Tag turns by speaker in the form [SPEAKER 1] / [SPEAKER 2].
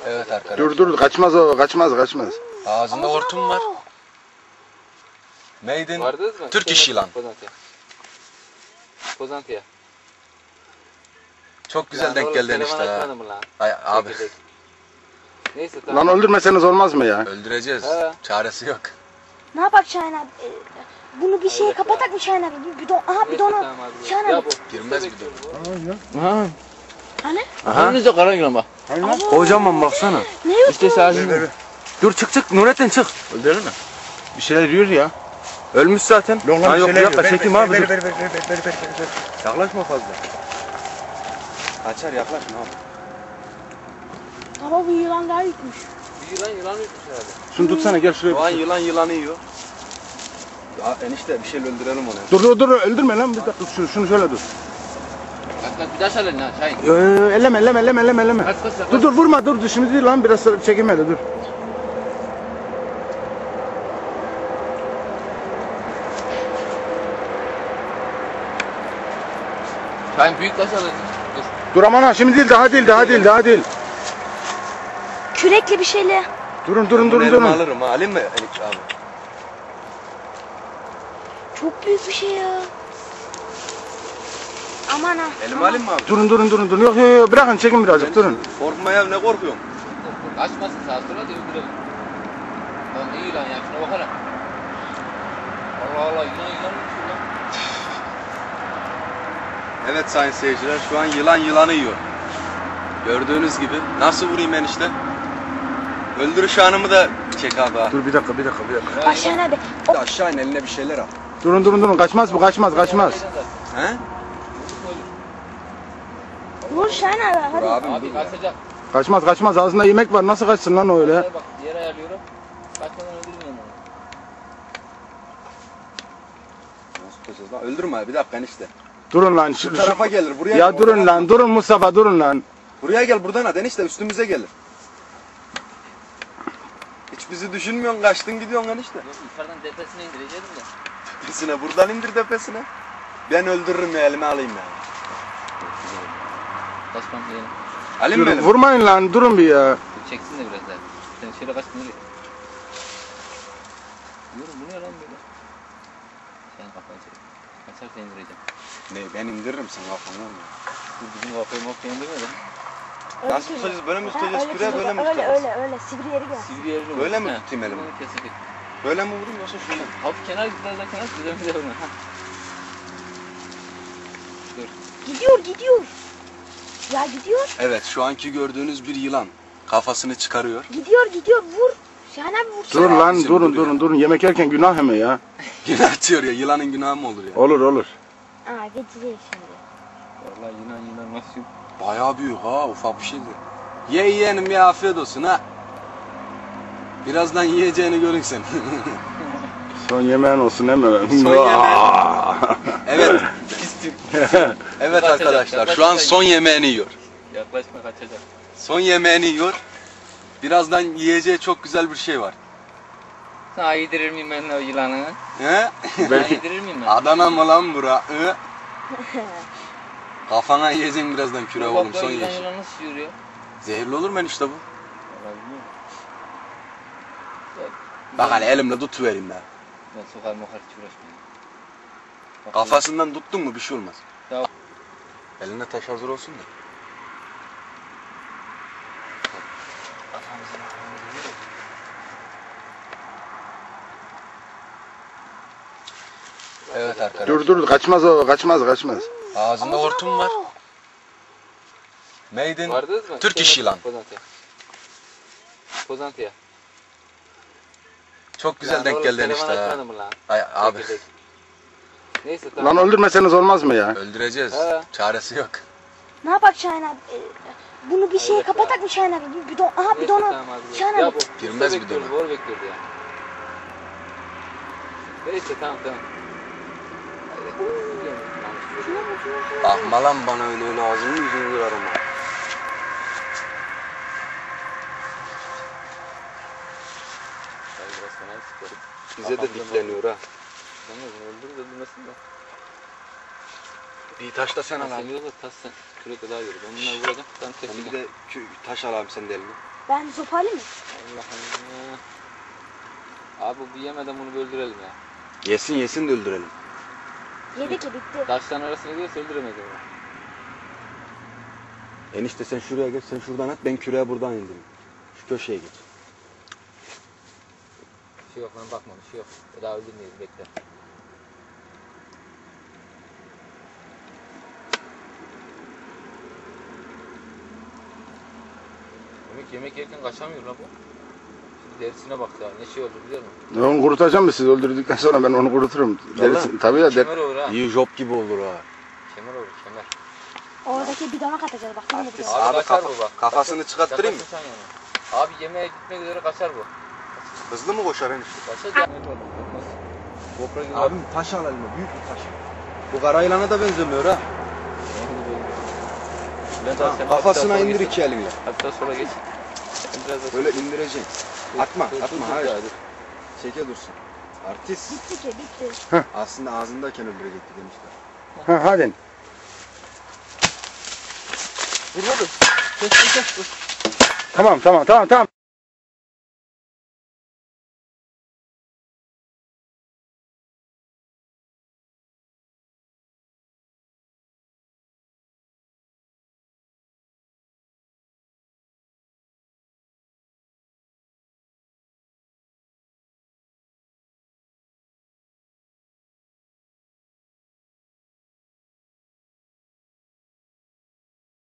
[SPEAKER 1] Evet arkadaşlar.
[SPEAKER 2] Dur kaçmaz o kaçmaz.
[SPEAKER 1] Ağzında hortum var. Made in Turkish yılan.
[SPEAKER 3] Pozantıya.
[SPEAKER 1] Çok güzel denk geldin işte ha. Ay abi.
[SPEAKER 3] Neyse tamam.
[SPEAKER 2] Lan öldürmeseniz olmaz mı ya?
[SPEAKER 1] Öldüreceğiz.
[SPEAKER 3] He.
[SPEAKER 1] Çaresi yok.
[SPEAKER 4] Ne yapak Şahin abi? Bunu bir şeye kapatak mı Şahin abi? Bir bidon. Aha bidonu. Şahin abi.
[SPEAKER 1] Girmez bir de.
[SPEAKER 5] Ha.
[SPEAKER 4] Hani?
[SPEAKER 5] Aha. Önünüzde kara yılan bak. Kocaman baksana.
[SPEAKER 4] Ne yok
[SPEAKER 5] İşte sadece. Dur çık Nurettin çık. Öldürelim mi? Bir şeyler yiyor ya. Ölmüş zaten. Ha yok bir dakika çekeyim abi. Dur. Yaklaşma fazla. Kaçar yaklaşma abi.
[SPEAKER 4] Baba bu yılan daha yükmüş.
[SPEAKER 3] Yılan yutmuş herhalde.
[SPEAKER 2] Şunu tutsana gel şuraya.
[SPEAKER 5] Şu an yılanı yiyor. Ya enişte bir şeyle öldürelim onu.
[SPEAKER 2] Dur öldürme lan bir dakika şunu şöyle dur.
[SPEAKER 3] Kaç bir daha söyle lan Şahin.
[SPEAKER 2] Elleme.
[SPEAKER 3] Kaç.
[SPEAKER 2] Dur vurma dur şimdi değil lan biraz çekeyim hele dur.
[SPEAKER 3] Şahin büyük taş alın. Dur.
[SPEAKER 2] Dur aman ha şimdi değil daha değil.
[SPEAKER 4] Kürekli bir şeyle.
[SPEAKER 2] Durun.
[SPEAKER 5] Alırım ha. Alayım mı Elik abi?
[SPEAKER 4] Çok büyük bir şey ya. Aman ha.
[SPEAKER 5] Elimi alayım mı abi?
[SPEAKER 2] Durun. Yok bırakın çekin birazcık durun.
[SPEAKER 5] Korkma ya ne korkuyorsun?
[SPEAKER 3] Kaçmasın sağa sola da öldürelim. Lan ne yılan ya şuna bakana. Allah yılan yutmuş lan.
[SPEAKER 5] Evet sayın seyirciler şu an yılanı yiyor. Gördüğünüz gibi. Nasıl vurayım enişte? Öldürüş anımı da çek abi ha.
[SPEAKER 2] Dur bir dakika.
[SPEAKER 4] Bak Şahin abi.
[SPEAKER 5] Bir de aşağı in eline bir şeyler al.
[SPEAKER 2] Durun kaçmaz bu kaçmaz.
[SPEAKER 5] He?
[SPEAKER 4] Vur Şahin abi
[SPEAKER 5] Dur
[SPEAKER 4] hadi.
[SPEAKER 5] abim
[SPEAKER 3] Abi
[SPEAKER 5] dur ya.
[SPEAKER 2] Kaçmaz ağzında yemek var nasıl kaçsın lan öyle?
[SPEAKER 3] Bak yer ayarlıyorum. Kaçmadan öldürmeyin onu.
[SPEAKER 5] Nasıl tutacağız lan? Öldürme bir dakika enişte.
[SPEAKER 2] Durun lan
[SPEAKER 5] Bu tarafa gelir buraya.
[SPEAKER 2] Ya durun lan durun Mustafa durun lan.
[SPEAKER 5] Buraya gel buradan at enişte üstümüze gelir. Hiç bizi düşünmüyorsun kaçtın gidiyorsun enişte.
[SPEAKER 3] Yok yukarıdan tepesine indireceğim de.
[SPEAKER 5] Tepesine buradan indir tepesine. Ben öldürürüm ya elime alayım ya.
[SPEAKER 3] Kaçmam diyelim.
[SPEAKER 5] Alayım mı
[SPEAKER 2] Durun,
[SPEAKER 5] elime?
[SPEAKER 2] vurmayın lan durun bir ya.
[SPEAKER 3] Çeksin de biraz daha. Sen şöyle kaçtın nereye? Diyorum bu ne lan böyle? Sen kafayı çek. Kaçarsa indireceğim.
[SPEAKER 5] Ne ben indiririm sen kafanı ya.
[SPEAKER 3] Bu bizim kafayı indirme lan.
[SPEAKER 5] Nasıl tutacağız böyle mi tutacağız
[SPEAKER 4] Öyle
[SPEAKER 5] küreğe böyle mi tutacağız?
[SPEAKER 4] öyle sivri yeri gel.
[SPEAKER 3] Sivri yerini
[SPEAKER 5] Böyle mi
[SPEAKER 3] He,
[SPEAKER 5] tutayım elimi?
[SPEAKER 3] bunu kesecek.
[SPEAKER 5] Böyle mi vurayım yoksa şöyle mi?
[SPEAKER 3] Hafif kenar biraz daha kenar güzel vurma. Ha. Dur.
[SPEAKER 4] Gidiyor. Ya gidiyor.
[SPEAKER 5] Evet şu anki gördüğünüz bir yılan. Kafasını çıkarıyor.
[SPEAKER 4] Gidiyor vur. Şahin abi vur.
[SPEAKER 2] Dur lan
[SPEAKER 5] Bizim
[SPEAKER 2] durun
[SPEAKER 5] dur
[SPEAKER 2] yemek yerken günah hemen ya.
[SPEAKER 5] Günah atıyor ya yılanın günahı mı olur ya?
[SPEAKER 2] Olur.
[SPEAKER 4] Aa geçecek şimdi.
[SPEAKER 3] Vallahi yılan nasıl
[SPEAKER 5] Bayağı büyük ha ufak bir şey değil. Ye yeğenim ya afiyet olsun ha. Birazdan yiyeceğini görün sen.
[SPEAKER 2] Son yemeğin olsun hemen.
[SPEAKER 5] Son yemeğin. Evet. Evet arkadaşlar şu an son yemeğini yiyor.
[SPEAKER 3] Yaklaşma kaçacak.
[SPEAKER 5] Son yemeğini yiyor. Birazdan yiyeceği çok güzel bir şey var.
[SPEAKER 3] Sana yedirir miyim ben o yılanı?
[SPEAKER 5] He?
[SPEAKER 3] Sana yedirir miyim ben?
[SPEAKER 5] Adana mı lan bura? Hı? Kafana yiyeceksin birazdan küre oğlum son
[SPEAKER 3] yılan
[SPEAKER 5] yeş.
[SPEAKER 3] yılan nasıl yürüyor?
[SPEAKER 5] Zehirli olur mu enişte bu?
[SPEAKER 3] Vallahi bilmiyorum.
[SPEAKER 5] Bak hani elimle tutuvereyim ben.
[SPEAKER 3] Ben sokar mokar hiç uğraşmayayım. Bak,
[SPEAKER 5] Kafasından tuttun mu bir şey olmaz.
[SPEAKER 3] Tamam.
[SPEAKER 5] Eline taş hazır olsun da.
[SPEAKER 1] Evet arkadaşlar.
[SPEAKER 2] Dur kaçmaz.
[SPEAKER 1] Ağzında hortum var. Made in
[SPEAKER 3] Vardınız mı?
[SPEAKER 1] Turkish yılan.
[SPEAKER 3] Pozantıya.
[SPEAKER 1] Çok güzel denk geldin işte ha. Ay abi.
[SPEAKER 3] Neyse tamam.
[SPEAKER 2] Lan öldürmeseniz olmaz mı ya?
[SPEAKER 1] Öldüreceğiz.
[SPEAKER 3] He.
[SPEAKER 1] Çaresi yok.
[SPEAKER 4] Ne yapak Şahin abi? Bunu bir şeye kapatak mı Şahin abi? Bir bidon. Aha bidonu. Şahin abi.
[SPEAKER 1] Girmez bir de.
[SPEAKER 3] Bor bekliyordu ya. Neyse tamam.
[SPEAKER 5] Bakma lan bana öyle ağzını yüzünü kırarım ha. Bize de dikleniyor ha.
[SPEAKER 3] Öldürmesin de.
[SPEAKER 5] Bir taş da sen al
[SPEAKER 3] Sen
[SPEAKER 5] abi.
[SPEAKER 3] yolda tas sen. Kürekle daha yürü. Ben bunları vuracağım. Sen
[SPEAKER 5] Sen
[SPEAKER 3] tepki.
[SPEAKER 5] bir de taş al abi sen de eline.
[SPEAKER 4] Ben sopayla mı?
[SPEAKER 3] Allah Allah. Abi bu yemeden bunu öldürelim ya.
[SPEAKER 5] Yesin de öldürelim.
[SPEAKER 4] Yedik ya bitti.
[SPEAKER 3] Taşların arasına girerse öldüremeyiz onu.
[SPEAKER 5] Enişte sen şuraya geç, sen şuradan at, ben küreğe buradan indim. Şu köşeye geç.
[SPEAKER 3] Bir şey yok lan bakma bir şey yok. Daha öldürmeyiz bekle. Yemek yerken kaçamıyor lan bu. Şimdi derisine bak ya ne şey oldu biliyor musun?
[SPEAKER 2] Onu kurutacağım mı siz öldürdükten sonra ben onu kuruturum. Derisi, tabii ya.
[SPEAKER 3] Kemer olur ha.
[SPEAKER 5] İyi job gibi olur ha.
[SPEAKER 3] Kemer olur kemer.
[SPEAKER 4] Oradaki bidona katacağız bak. Yine bidon.
[SPEAKER 3] Abi kaçar bu bak.
[SPEAKER 5] Kafasını çıkarttırayım mı?
[SPEAKER 3] Yaklaşın sen yana. Abi yemeğe gitmek üzere kaçar bu.
[SPEAKER 5] Hızlı mı koşar enişte?
[SPEAKER 3] Kaçar ya. Olmaz. GoPro gibi.
[SPEAKER 5] Abim taş al eline, büyük bir taş. Bu kara yılana da benzemiyor ha. Kafasına indir iki elinle.
[SPEAKER 3] Hatta sola geç. Biraz da
[SPEAKER 5] Böyle indireceksin. Atma,
[SPEAKER 3] dur,
[SPEAKER 5] atma,
[SPEAKER 3] dur,
[SPEAKER 5] hayır.
[SPEAKER 3] dur.
[SPEAKER 5] Çeke dursun. Artist.
[SPEAKER 4] Bitti ki bitti.
[SPEAKER 5] Aslında ağzındayken öldürecekti demişler.
[SPEAKER 2] Ha, hadi.
[SPEAKER 3] Vur oğlum. Kes.
[SPEAKER 2] Tamam.